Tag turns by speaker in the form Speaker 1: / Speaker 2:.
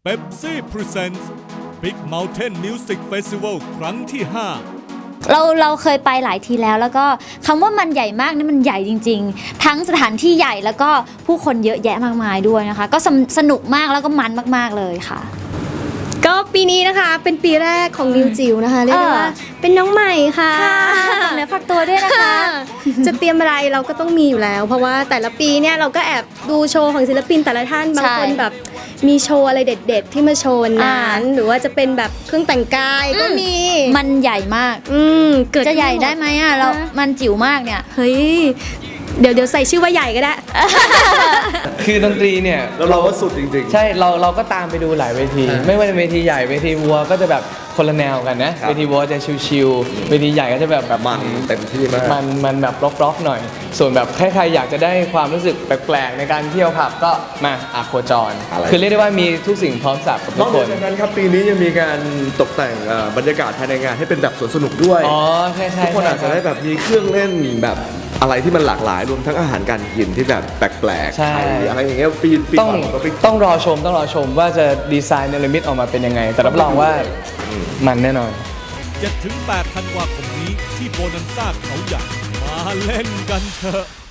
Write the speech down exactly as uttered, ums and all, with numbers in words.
Speaker 1: Pepsi Presents Big Mountain Music Festival ครั้งที่ห้า
Speaker 2: เราเราเคยไปหลายทีแล้วแล้วก็คำว่ามันใหญ่มากนี่มันใหญ่จริงๆทั้งสถานที่ใหญ่แล้วก็ผู้คนเยอะแยะมากมายด้วยนะคะก็สนุกมากแล้วก็มันมากๆเลยค่ะ
Speaker 3: ก็ปีนี้นะคะเป็นปีแรกของนิวจิ๋วนะคะเรียกได้ว่าเป็นน้องใหม่ค่ะ
Speaker 2: ฝากเนื้อฝากตัวด้วยนะคะ
Speaker 3: จะเตรียมอะไรเราก็ต้องมีอยู่แล้วเพราะว่าแต่ละปีเนี่ยเราก็แอบดูโชว์ของศิลปินแต่ละท่านบางคนแบบมีโชว์อะไรเด็ดๆที่มาโชว์นั้นหรือว่าจะเป็นแบบเครื่องแต่งกายก็มี
Speaker 2: มันใหญ่มาก
Speaker 3: อืมเกิด
Speaker 2: จะใหญ่ได้ไหมอ่ะเรามันจิ๋วมากเนี่ย
Speaker 3: เฮ้ยเดี๋ยวเดี๋ยวใส่ชื่อว่าใหญ่ก็ได้
Speaker 4: คือดนตรีเนี่ย
Speaker 5: เราก็สุดจริง
Speaker 4: ๆใช่เราเราก็ตามไปดูหลายเวทีไม่ว่าจะเวทีใหญ่เวทีวัวก็จะแบบคนละแนวกันนะเวทีวัวจะชิลๆเวทีใหญ่ก็จะแบบแบบ
Speaker 5: มันเต็มที่มาก
Speaker 4: มันมันแบบร็อกๆหน่อยส่วนแบบใครๆอยากจะได้ความรู้สึกแปลกๆในการเที่ยวผับก็มาอาโคจรคือเรียกได้ว่ามีทุกสิ่งพร้อมสับกับทุกคน
Speaker 5: นอกจากนั้นครับปีนี้ยังมีการตกแต่งบรรยากาศภายในงานให้เป็นแบบสวนสนุกด้วย
Speaker 4: อ๋อใช่ใช่
Speaker 5: ทุกคนอาจจะได้แบบมีเครื่องเล่นแบบอะไรที่มันหลากหลายรวมทั้งอาหารการกินที่แบบแปลกๆไทยอะไรอย่างเงี้ยปีปี
Speaker 4: ต้องต้องรอชมต้องรอชมว่าจะดีไซน์เนรมิตออกมาเป็นยังไงแต่รับรองว่ามันแน่นอน
Speaker 1: เจ็ดถึงแปด ธันวาคมนี้ที่โบนันซ่าเขาใหญ่มาเล่นกันเถอะ